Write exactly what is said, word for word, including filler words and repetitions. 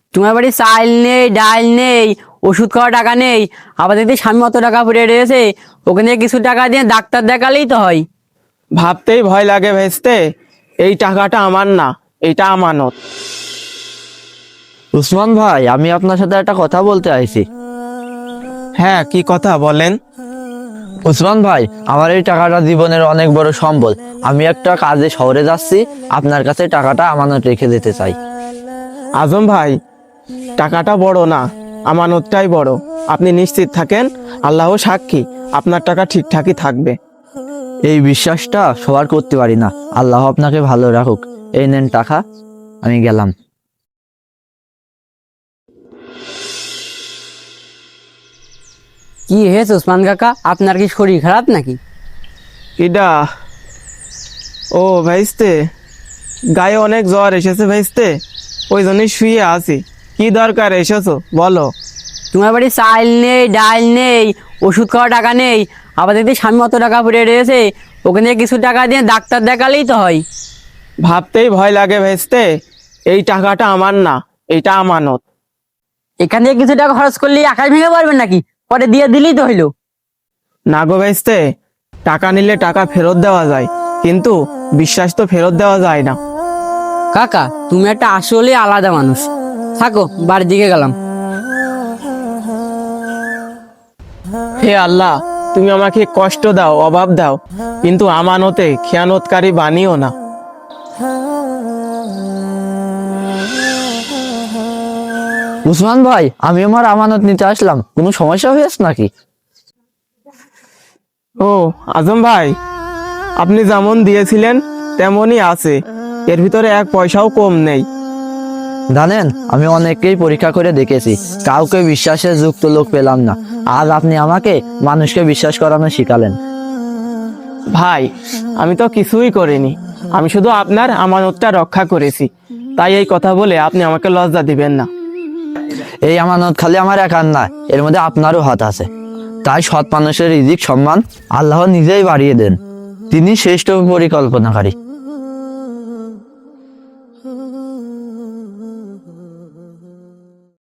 তোমার বাড়ি চাল নেই, ডাল নেই, ওষুধ খাওয়া টাকা নেই, আবার দেখতে স্বামী অত টাকা পড়ে রয়েছে, ওখানে কিছু টাকা দিয়ে ডাক্তার দেখালেই তো হয়। ভাবতেই ভয় লাগে ভেস্তে, এই টাকাটা আমার না, এটা আমানত। উসমান ভাই, আমি আপনার সাথে একটা কথা বলতে আইছি। হ্যাঁ, কি কথা বলেন? উসমান ভাই, আমার এই টাকাটা জীবনের অনেক বড় সম্বল। আমি একটা কাজে শহরে যাচ্ছি, আপনার কাছে টাকাটা আমানত রেখে দিতে চাই। আজম ভাই, টাকাটা বড় না, আমানতটাই বড়। আপনি নিশ্চিত থাকেন, আল্লাহ সাক্ষী, আপনার টাকা ঠিকঠাকই থাকবে। এই বিশ্বাসটা সবার করতে পারি না। আল্লাহ আপনাকে ভালো রাখুক। এই নেন টাকা, আমি গেলাম। কি হয়েছে ওসমান কাকা, আপনার কি শরীর খারাপ নাকি? ইডা ও ভাইস্তে, গায়ে অনেক জ্বর এসেছে ভাইস্তে, ওই জন্যই শুয়ে আছি। কি দরকার এসেছো বলো? তোমার বাড়ি চাল নেই, ডাল নেই, ওষুধ খাওয়া টাকা নেই, আবার দেখতে স্বামী অত টাকা পড়ে রয়েছে, ওখানে কিছু টাকা দিয়ে ডাক্তার দেখালেই তো হয়। ভাবতেই ভয় লাগে ভেস্তে, এই টাকাটা আমার না, এটা আমানত। এখান থেকে কিছু টাকা খরচ করলে আকাশ ভেঙে পারবেন নাকি? পরে দিয়ে দিলেই তো হইলো। না গো ভেস্তে, টাকা নিলে টাকা ফেরত দেওয়া যায়, কিন্তু বিশ্বাস তো ফেরত দেওয়া যায় না। কাকা, তুমি একটা আসলে আলাদা মানুষ। থাকো, বাড়ির দিকে গেলাম। হে আল্লাহ, তুমি আমাকে কষ্ট দাও, অভাব দাও, কিন্তু আমানতে খেয়ানতকারী বানিও না। উসমান ভাই, আমি আমার আমানত নিতে আসলাম, কোনো সমস্যা হয়েছে নাকি? ও আজম ভাই, আপনি যেমন দিয়েছিলেন তেমনই আছে, এর ভিতরে এক পয়সাও কম নেই। জানেন, আমি অনেককেই পরীক্ষা করে দেখেছি, কাউকে বিশ্বাসের যুক্ত লোক পেলাম না। আজ আপনি আমাকে মানুষকে বিশ্বাস করানো শিখালেন। ভাই, আমি তো কিছুই করিনি, আমি শুধু আপনার আমানতটা রক্ষা করেছি। তাই এই কথা বলে আপনি আমাকে লজ্জা দিবেন না। এই আমানত খালি আমার একার না, এর মধ্যে আপনারও হাত আছে। তাই সৎ মানুষের রিজিক সম্মান আল্লাহ নিজেই বাড়িয়ে দেন, তিনি শ্রেষ্ঠ পরিকল্পনাকারী।